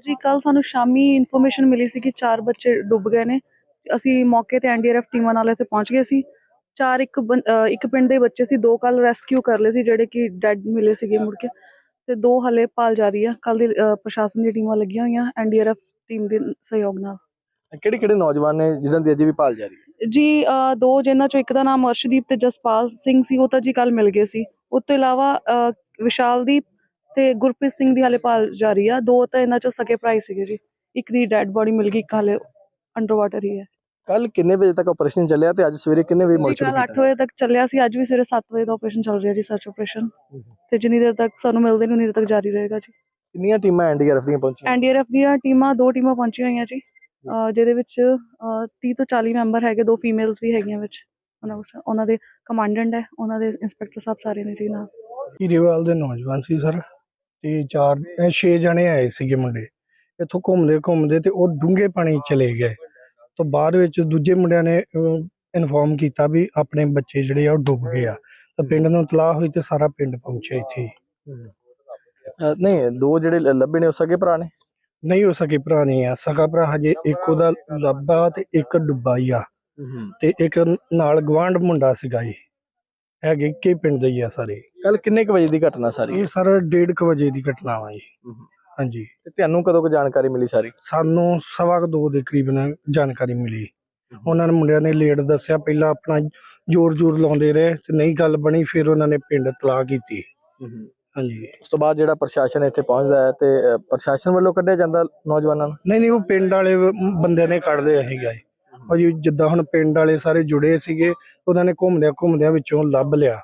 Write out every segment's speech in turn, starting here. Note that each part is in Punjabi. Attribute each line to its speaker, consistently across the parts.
Speaker 1: ਜੀ ਕੱਲ੍ਹ ਸਾਨੂੰ ਸ਼ਾਮੀ ਇਨਫੋਰਮੇਸ਼ਨ ਮਿਲੀ ਸੀ ਕਿ 4 ਬੱਚੇ ਡੁੱਬ ਗਏ ਨੇ। ਅਸੀਂ ਮੌਕੇ ਤੇ ਐਨਡੀਆਰਐਫ ਟੀਮਾਂ ਨਾਲ ਇੱਥੇ ਪਹੁੰਚ ਗਏ ਸੀ। 4 ਇੱਕ ਪਿੰਡ ਦੇ ਬੱਚੇ ਸੀ, 2 ਕੱਲ੍ਹ ਰੈਸਕਿਊ ਕਰ ਲਏ ਸੀ ਜਿਹੜੇ ਕਿ ਡੈਡ ਮਿਲੇ ਸੀਗੇ ਮੁੜ ਕੇ, ਤੇ 2 ਹਾਲੇ ਭਾਲ ਜਾਰੀ ਆ। ਕੱਲ੍ਹ ਦੀ ਪ੍ਰਸ਼ਾਸਨ ਦੀਆਂ ਟੀਮਾਂ ਲੱਗੀਆਂ ਹੋਈਆਂ ਐਨਡੀਆਰਐਫ ਟੀਮ ਦੇ ਸਹਿਯੋਗ ਨਾਲ।
Speaker 2: ਕਿਹੜੇ ਨੌਜਵਾਨ ਨੇ ਜਿਨ੍ਹਾਂ ਦੀ ਅਜੇ ਵੀ ਭਾਲ ਜਾਰੀ ਹੈ?
Speaker 1: ਜੀ 2 ਜਿਨ੍ਹਾਂ ਚੋਂ ਇੱਕ ਦਾ ਨਾਮ ਅਰਸ਼ਦੀਪ ਤੇ ਜਸਪਾਲ ਸਿੰਘ ਸੀ, ਉਹ ਤਾਂ ਜੀ ਕੱਲ੍ਹ ਮਿਲ ਗਏ ਸੀ। ਉਹ ਤੋਂ ਇਲਾਵਾ ਵਿਸ਼ਾਲਦੀਪ ਤੇ ਗੁਰਪ੍ਰੀਤ ਸਿੰਘ ਦੀ ਹਾਲੇ ਭਾਲ ਜਾਰੀ ਆ। 2 ਤਾਂ ਇਹਨਾਂ ਚੋਂ ਸਕੇ ਭਰਾ ਹੀ ਸੀਗੇ ਜੀ। ਇੱਕ ਦੀ ਡੈਡ ਬੋਡੀ ਮਿਲ ਗਈ, ਇੱਕ ਹਾਲੇ ਅੰਡਰ ਵਾਟਰ ਹੀ ਹੈ।
Speaker 2: ਕੱਲ ਕਿੰਨੇ ਵਜੇ ਤੱਕ ਆਪਰੇਸ਼ਨ ਚੱਲਿਆ ਤੇ ਅੱਜ ਸਵੇਰੇ ਕਿੰਨੇ ਵਜੇ ਮੁੜ
Speaker 1: ਜੀ
Speaker 2: ਸ਼ੁਰੂ
Speaker 1: ਕੱਲ੍ਹ
Speaker 2: ਕੀਤਾ?
Speaker 1: 8 ਵਜੇ ਤੱਕ ਚੱਲਿਆ ਸੀ, ਅੱਜ ਵੀ ਸਵੇਰੇ 7 ਵਜੇ ਦਾ ਆਪਰੇਸ਼ਨ ਚੱਲ ਰਿਹਾ ਜੀ, ਸਰਚ ਆਪਰੇਸ਼ਨ। ਤੇ ਜਿੰਨੀ ਦੇਰ ਤੱਕ ਸਾਨੂੰ ਮਿਲਦੇ ਨਹੀਂ ਉਨੀ ਦੇਰ ਤੱਕ ਜਾਰੀ ਰਹੇਗਾ ਜੀ।
Speaker 2: ਕਿੰਨੀਆਂ ਟੀਮਾਂ ਐਨਡੀਆਰਐਫ ਦੀਆਂ ਪਹੁੰਚੀਆਂ?
Speaker 1: ਐਨਡੀਆਰਐਫ ਦੀਆਂ ਟੀਮਾਂ 2 ਟੀਮਾਂ ਪਹੁੰਚੀਆਂ ਹੋਈਆਂ ਜੀ, ਜਿਹਦੇ ਵਿੱਚ 30 ਤੋਂ 40 ਮੈਂਬਰ ਹੈਗੇ, 2 ਫੀਮੇਲਸ ਵੀ ਹੈਗੀਆਂ ਵਿੱਚ। ਉਹਨਾਂ ਦੇ ਕਮਾਂਡੈਂਟ ਹੈ, ਉਹਨਾਂ ਦੇ ਇੰਸਪੈਕਟਰ ਸਾਹਿਬ ਸਾਰੇ ਨੇ ਜੀ ਨਾਲ।
Speaker 3: ਹੀਰੇਵਾਲ ਦੇ ਨੌਜਵਾਨ ਸੀ ਸਰ, ਤੇ 6 ਜਣੇ ਆਏ ਸੀਗੇ ਮੁੰਡੇ। ਇੱਥੋਂ ਘੁੰਮਦੇ ਤੇ ਉਹ ਡੂੰਘੇ ਪਾਣੀ ਚਲੇ ਗਏ। ਤੋਂ ਬਾਅਦ ਵਿੱਚ ਦੂਜੇ ਮੁੰਡਿਆਂ ਨੇ ਇਨਫੋਰਮ ਕੀਤਾ ਵੀ ਆਪਣੇ ਬੱਚੇ ਜਿਹੜੇ ਆ ਉਹ ਡੁੱਬ ਗਏ ਆ। ਤਾਂ ਪਿੰਡ ਨੂੰ ਇਤਲਾਹ ਹੋਈ ਤੇ ਸਾਰਾ ਪਿੰਡ ਪਹੁੰਚਿਆ ਇੱਥੇ।
Speaker 2: ਨਹੀਂ, 2 ਜਿਹੜੇ ਲੱਭੇ ਨੇ ਉਹ ਸਕੇ ਭਰਾ ਨੇ?
Speaker 3: ਨਹੀਂ ਹੋ ਸਕੇ ਭਰਾ ਨਹੀਂ ਆ, ਸਗਾ ਭਰਾ ਹਜੇ ਇੱਕ ਉਹਦਾ ਲੱਭਾ ਤੇ ਇੱਕ ਡੁੱਬਾ ਹੀ ਆ, ਤੇ ਇੱਕ ਨਾਲ ਗਵਾਂਢ ਮੁੰਡਾ ਸੀਗਾ ਜੀ। ਹੈਗੇ ਇੱਕੇ ਪਿੰਡ ਦੇ ਹੀ ਆ ਸਾਰੇ।
Speaker 2: ਕੱਲ ਕਿੰਨੇ ਕੁ ਵਜੇ ਦੀ ਘਟਨਾ ਸਾਰੀ?
Speaker 3: ਇਹ ਸਰ 1:30 ਵਜੇ ਦੀ ਘਟਨਾ ਵਾ ਜੀ। ਹਾਂਜੀ।
Speaker 2: ਤੇ ਤੁਹਾਨੂੰ ਕਦੋਂ ਕੁ ਜਾਣਕਾਰੀ ਮਿਲੀ ਸਾਰੀ?
Speaker 3: ਸਾਨੂੰ 2:15 ਦੇ ਕਰੀਬਨ ਜਾਣਕਾਰੀ ਮਿਲੀ। ਉਹਨਾਂ ਨੇ ਮੁੰਡਿਆਂ ਨੇ ਲੇਟ ਦੱਸਿਆ, ਪਹਿਲਾਂ ਆਪਣਾ ਜ਼ੋਰ ਲਾਉਂਦੇ ਰਹੇ ਤੇ ਨਹੀਂ ਗੱਲ ਬਣੀ, ਫਿਰ ਉਹਨਾਂ ਨੇ ਪਿੰਡ ਇਤਲਾਹ ਕੀਤੀ। ਹਾਂਜੀ।
Speaker 2: ਉਸ ਤੋਂ ਬਾਅਦ ਜਿਹੜਾ ਪ੍ਰਸ਼ਾਸਨ ਇੱਥੇ ਪਹੁੰਚਦਾ ਹੈ ਤੇ ਪ੍ਰਸ਼ਾਸਨ ਵੱਲੋਂ ਕੱਢਿਆ ਜਾਂਦਾ ਨੌਜਵਾਨਾਂ ਨੂੰ?
Speaker 3: ਨਹੀਂ, ਉਹ ਪਿੰਡ ਵਾਲੇ ਬੰਦਿਆਂ ਨੇ ਕੱਢਦੇ ਸੀਗਾ ਜੀ। ਭਾਜੀ ਜਿੱਦਾਂ ਹੁਣ ਪਿੰਡ ਵਾਲੇ ਸਾਰੇ ਜੁੜੇ ਸੀਗੇ, ਉਹਨਾਂ ਨੇ ਘੁੰਮਦਿਆਂ ਵਿੱਚੋਂ ਲੱਭ ਲਿਆ।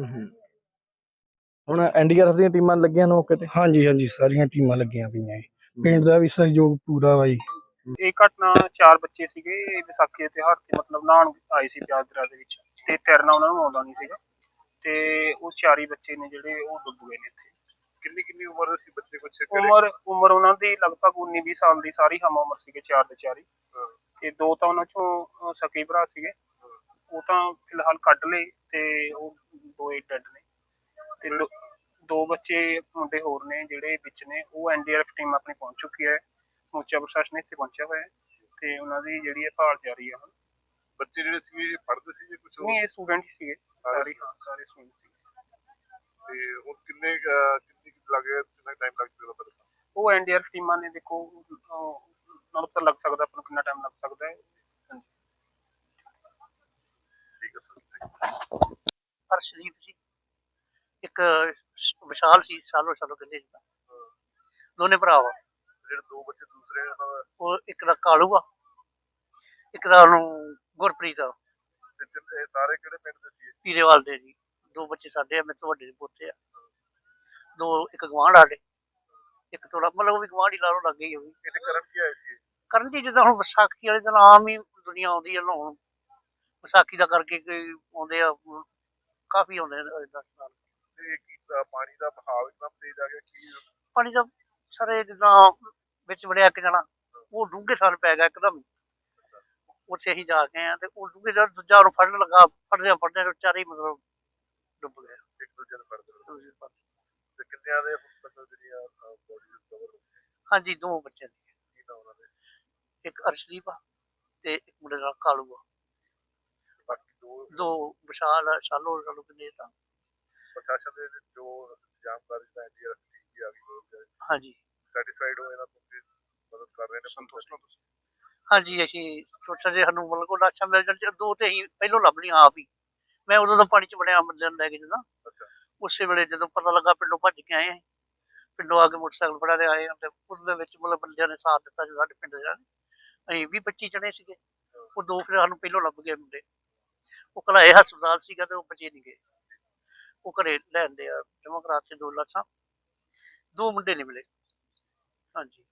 Speaker 2: ਹੁਣ ਐਨਡੀਆਰਐਫ ਦੀਆਂ ਟੀਮਾਂ ਲੱਗੀਆਂ ਨੇ ਮੌਕੇ ਤੇ?
Speaker 3: ਹਾਂਜੀ, ਸਾਰੀਆਂ ਟੀਮਾਂ ਲੱਗੀਆਂ ਪਈਆਂ ਜੀ। ਪਿੰਡ ਦਾ ਵੀ ਸਹਿਯੋਗ ਪੂਰਾ ਵਾ ਜੀ।
Speaker 4: ਇਹ ਘਟਨਾ 4 ਬੱਚੇ ਸੀਗੇ, ਵਿਸਾਖੀ ਦੇ ਤਿਉਹਾਰ ਤੇ ਮਤਲਬ ਨਹਾਉਣ ਆਏ ਸੀ ਪਿਆਜ਼ ਦਰਿਆ ਦੇ ਵਿੱਚ, ਤੇ ਤੈਰਨਾ ਉਹਨਾਂ ਨੂੰ ਆਉਂਦਾ ਨਹੀਂ ਸੀਗਾ, ਤੇ ਉਹ 4 ਹੀ ਬੱਚੇ ਨੇ ਜਿਹੜੇ ਉਹ ਡੁੱਬ ਗਏ ਨੇ ਇੱਥੇ। ਕਿੰਨੀ ਉਮਰ ਸੀ ਬੱਚੇ? ਕੁਛ ਉਮਰ ਉਹਨਾਂ ਦੀ ਲਗਭਗ 19-20 ਸਾਲ ਦੀ, ਸਾਰੀ ਹਮ ਉਮਰ ਸੀਗੇ 4 ਦੇ 4 ਹੀ। ਤੇ 2 ਤਾਂ ਉਹਨਾਂ ਚੋਂ ਸਕੇ ਭਰਾ ਸੀਗੇ, ਉਹ ਤਾਂ ਫਿਲਹਾਲ ਕੱਢ ਲਏ ਤੇ ਉਹ 2 ਡੈਡ ਨੇ। ਤੇ 2 ਬੱਚੇ ਮੁੰਡੇ ਹੋਰ ਨੇ ਜਿਹੜੇ ਵਿੱਚ ਨੇ, ਉਹ ਐਨਡੀਆਰਐਫ ਟੀਮ ਆਪਣੀ ਪਹੁੰਚ ਚੁੱਕੀ ਹੈ। ਸਮੁੱਚਾ ਪ੍ਰਸ਼ਾਸਨ ਇੱਥੇ ਪਹੁੰਚਿਆ ਹੋਇਆ ਹੈ ਤੇ ਉਹਨਾਂ ਦੀ ਜਿਹੜੀ ਹੈ ਭਾਲ ਜਾਰੀ ਹੈ। ਹੁਣ ਬੱਚੇ ਜਿਹੜੇ ਸੀ ਪੜ੍ਹਦੇ ਸੀ ਕੁਝ? ਨਹੀਂ, ਇਹ ਸਟੂਡੈਂਟ ਸੀਗੇ ਸਾਰੇ ਸਟੂਡੈਂਟ ਸੀ। ਤੇ ਉਹ ਕਿੰਨੇ ਟਾਈਮ ਲੱਗ ਸਕਦਾ? ਉਹ ਐਨਡੀਆਰਐਫ ਟੀਮਾਂ ਨੇ ਦੇਖੋ, ਨਾਲ ਪਤਾ ਲੱਗ ਸਕਦਾ ਆਪਾਂ ਨੂੰ ਕਿੰਨਾ ਟਾਈਮ ਲੱਗ ਸਕਦਾ ਹੈ। ਠੀਕ ਹੈ ਸਰ।
Speaker 5: ਅਰਸ਼ਦੀਪ ਜੀ, ਇੱਕ ਵਿਸ਼ਾਲ ਸੀ, ਸਾਲੋ ਕਹਿੰਦੇ ਜੀ, ਦੋਨੇ ਭਰਾ ਵਾ।
Speaker 4: ਜਿਹੜੇ 2 ਬੱਚੇ ਦੂਸਰੇ
Speaker 5: ਉਹ ਇੱਕ ਦਾ ਕਾਲੂ ਆ, ਇੱਕ ਦਾ ਉਹਨੂੰ ਗੁਰਪ੍ਰੀਤ ਆ।
Speaker 4: ਇਹ ਸਾਰੇ ਕਿਹੜੇ ਪਿੰਡ ਦੇ ਸੀ?
Speaker 5: ਹੀਰੇਵਾਲ ਦੇ ਜੀ। 2 ਬੱਚੇ ਸਾਡੇ ਆ, ਮੇਰੇ ਤੋਂ ਵੱਡੇ ਦੇ ਪੋਤੇ ਆ। 2 ਇੱਕ ਗਵਾਂਢ ਸਾਡੇ, ਇੱਕ ਥੋੜਾ ਮਤਲਬ ਉਹ ਵੀ ਗਵਾਂਢ ਹੀ ਲਾ ਲਓ, ਲੱਗ ਗਈ। ਉਹ ਵੀ
Speaker 4: ਇਹਦੇ ਕਰਨ ਕੀ ਆਏ ਸੀ?
Speaker 5: ਕਰਨ ਜੀ ਜਿੱਦਾਂ ਹੁਣ ਵਿਸਾਖੀ ਵਾਲੇ ਦਿਨ ਆਮ ਹੀ ਦੁਨੀਆ ਆਉਂਦੀ ਹੈ ਨਹਾਉਣ। ਵਿਸਾਖੀ ਦਾ ਕਰਕੇ ਕੋਈ ਆਉਂਦੇ ਆ, ਕਾਫੀ ਆਉਂਦੇ ਨੇ।
Speaker 4: ਪਾਣੀ ਦਾ ਬਹਾਵ ਇਤਨਾ ਤੇਜ਼ ਆ ਗਿਆ ਕਿ
Speaker 5: ਪਾਣੀ ਦਾ ਸਾਰੇ ਜਿੱਦਾਂ ਵਿੱਚ ਵੜਿਆ ਇੱਕ ਜਣਾ, ਉਹ ਡੂੰਘੇ ਥਾਲ ਪੈ ਗਿਆ ਇੱਕਦਮ। ਉੱਥੇ ਅਸੀਂ ਜਾ ਕੇ ਆਏ ਤੇ ਉਹ ਡੂੰਘੇ ਦਾ ਦੂਜਾ ਉਹਨੂੰ ਫੜਨ ਲੱਗਾ, ਫੜਦਿਆਂ 4 ਮਤਲਬ ਡੁੱਬ ਗਏ।
Speaker 4: ਇੱਕ ਦੂਜੇ ਨੂੰ ਫੜਦੇ ਤੇ ਕਿੰਨਿਆਂ ਦੇ
Speaker 5: ਹਾਂਜੀ, 2 ਬੱਚੇ ਨੇ, ਇੱਕ ਅਰਸ਼ਦੀਪ ਆ ਤੇ ਇੱਕ ਮੁੰਡੇ ਦਾ ਕਾਲੂ ਆ। ਬਾਕੀ 2 ਵਿਸ਼ਾਲ ਆ, ਸਾਲੋ ਕਹਿੰਦੇ ਤਾਂ।
Speaker 4: ਪ੍ਰਸ਼ਾਸਨ ਦੇ ਜੋ ਜਾਣਕਾਰੀ ਦਾ ਐਨਡੀਆਰਐਫ ਟੀਮ ਆ ਗਈ,
Speaker 5: ਹਾਂਜੀ,
Speaker 4: ਸੈਟੀਸਫਾਈਡ ਹੋ ਇਹਨਾਂ ਤੋਂ ਮਦਦ ਕਰ ਰਹੇ ਨੇ? ਸੰਤੁਸ਼ਟ ਹੋ ਤੁਸੀਂ?
Speaker 5: ਹਾਂਜੀ, ਅਸੀਂ ਸੋਚਿਆ ਜੇ ਸਾਨੂੰ ਮਤਲਬ ਕੋਈ ਲਾਸ਼ਾਂ ਮਿਲ ਜਾਣ, 2 ਤੇ ਅਸੀਂ ਪਹਿਲੋਂ ਲੱਭ ਲਈਆਂ ਆਪ ਹੀ। ਮੈਂ ਉਦੋਂ ਦਾ ਪਾਣੀ 'ਚ ਵੜਿਆ ਬੰਦਿਆਂ ਨੂੰ ਲੈ ਕੇ ਜਦੋਂ, ਉਸੇ ਵੇਲੇ ਜਦੋਂ ਪਤਾ ਲੱਗਾ ਪਿੰਡੋਂ ਭੱਜ ਕੇ ਆਏ। ਪਿੰਡੋਂ ਆ ਕੇ ਮੋਟਰਸਾਈਕਲ ਫੜਾ ਦੇ ਆਏ ਤੇ ਉਹਦੇ ਵਿੱਚ ਮਤਲਬ ਬੰਦਿਆਂ ਨੇ ਸਾਥ ਦਿੱਤਾ ਜੋ ਸਾਡੇ ਪਿੰਡ ਦੇ। ਅਸੀਂ 20-25 ਜਣੇ ਸੀਗੇ, ਉਹ 2 ਫਿਰ ਸਾਨੂੰ ਪਹਿਲੋਂ ਲੱਭ ਗਏ ਮੁੰਡੇ। ਉਹ ਘਲਾਏ ਹਸਪਤਾਲ ਸੀਗਾ ਤੇ ਉਹ ਬਚੇ ਨਹੀਂ ਗਏ। ਉਹ ਘਰੇ ਲੈਂਦੇ ਆ ਜਮ੍ਹਾਂ ਕਰਾ ਕੇ 2 ਲਾਸ਼ਾਂ, 2 ਮੁੰਡੇ ਨਹੀਂ ਮਿਲੇ। ਹਾਂਜੀ।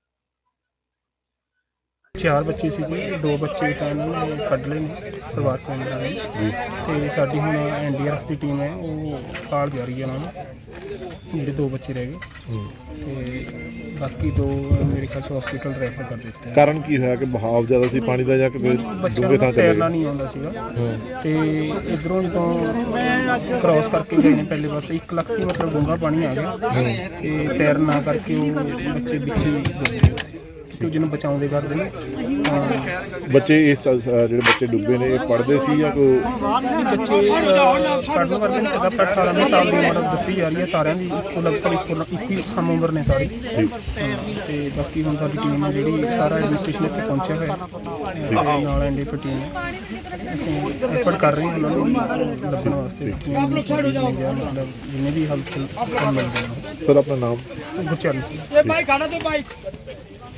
Speaker 6: 4 ਬੱਚੇ ਸੀ ਜੀ, 2 ਬੱਚੇ ਤਾਂ ਇਹਨਾਂ ਨੇ ਕੱਢ ਲਏ ਨੇ ਪਰਿਵਾਰਕ ਮੈਂਬਰਾਂ ਨੇ, ਤੇ ਸਾਡੀ ਹੁਣ ਐਨਡੀਆਰਐਫ ਦੀ ਟੀਮ ਹੈ ਉਹ ਭਾਲ ਜਾਰੀ ਹੈ ਉਹਨਾਂ ਨੂੰ, ਜਿਹੜੇ 2 ਬੱਚੇ ਰਹਿ ਗਏ ਤੇ ਬਾਕੀ 2 ਮੇਰੇ ਖਿਆਲ 'ਚ ਹਸਪੀਟਲ ਰੈਫਰ ਕਰ ਦਿੱਤੇ।
Speaker 7: ਕਾਰਨ ਕੀ ਹੋਇਆ ਕਿ ਬਹਾਵ ਜ਼ਿਆਦਾ ਸੀ ਪਾਣੀ ਦਾ ਜਾਂ ਕਿਤੇ ਡੂੰਘੇ ਥਾਂ ਤੇ
Speaker 6: ਤੈਰਨਾ ਨਹੀਂ ਆਉਂਦਾ ਸੀਗਾ, ਤੇ ਇੱਧਰੋਂ ਜਦੋਂ ਕ੍ਰਾਸ ਕਰਕੇ ਗਏ ਨੇ ਪਹਿਲੇ ਪਾਸੇ 1 ਲੱਖ ਦੀ ਮਤਲਬ ਡੂੰਘਾ ਪਾਣੀ ਆ ਗਿਆ, ਤੇ ਤੈਰਨਾ ਕਰਕੇ ਉਹ ਬੱਚੇ ਵਿੱਚ ਹੀ ਡੁੱਬ ਗਏ। ਇੱਕ ਦੂਜੇ ਨੂੰ ਬਚਾਉਂਦੇ ਕਰਦੇ ਨੇ।
Speaker 7: ਬੱਚੇ ਇਸ ਜਿਹੜੇ ਬੱਚੇ ਡੁੱਬੇ ਨੇ ਇਹ ਪੜ੍ਹਦੇ ਸੀ ਜਾਂ ਕੋਈ
Speaker 6: ਬੱਚੇ ਪੜ੍ਹਨ ਵਰਗੇ ਨੇ, 18 ਸਾਲ ਦੀ ਉਮਰ ਦੱਸੀ ਜਾ ਰਹੀ ਹੈ ਸਾਰਿਆਂ ਦੀ, ਇੱਕੋ ਲਗਭਗ ਇੱਕੋ ਹੀ ਸਮ ਉਮਰ ਨੇ ਸਾਰੀ। ਤੇ ਬਾਕੀ ਹੁਣ ਸਾਡੀ ਟੀਮ ਹੈ ਜਿਹੜੀ ਸਾਰਾ ਐਡਮਿਨਿਸਟ੍ਰੇਸ਼ਨ ਇੱਥੇ ਪਹੁੰਚਿਆ ਹੋਇਆ ਨਾਲ ਐਨਡੀਆਰਐਫ ਟੀਮ ਹੈ। ਅਸੀਂ ਐਫਰਟ ਕਰ ਰਹੇ ਹਾਂ ਉਹਨਾਂ ਨੂੰ ਲੱਭਣ ਵਾਸਤੇ, ਮਤਲਬ ਜਿੰਨੇ ਵੀ ਹੈਲਪ ਮਿਲ ਜਾਣ।
Speaker 7: ਸਰ ਆਪਣਾ ਨਾਮ?
Speaker 6: ਗੁਰਚਰਨ ਸਿੰਘ।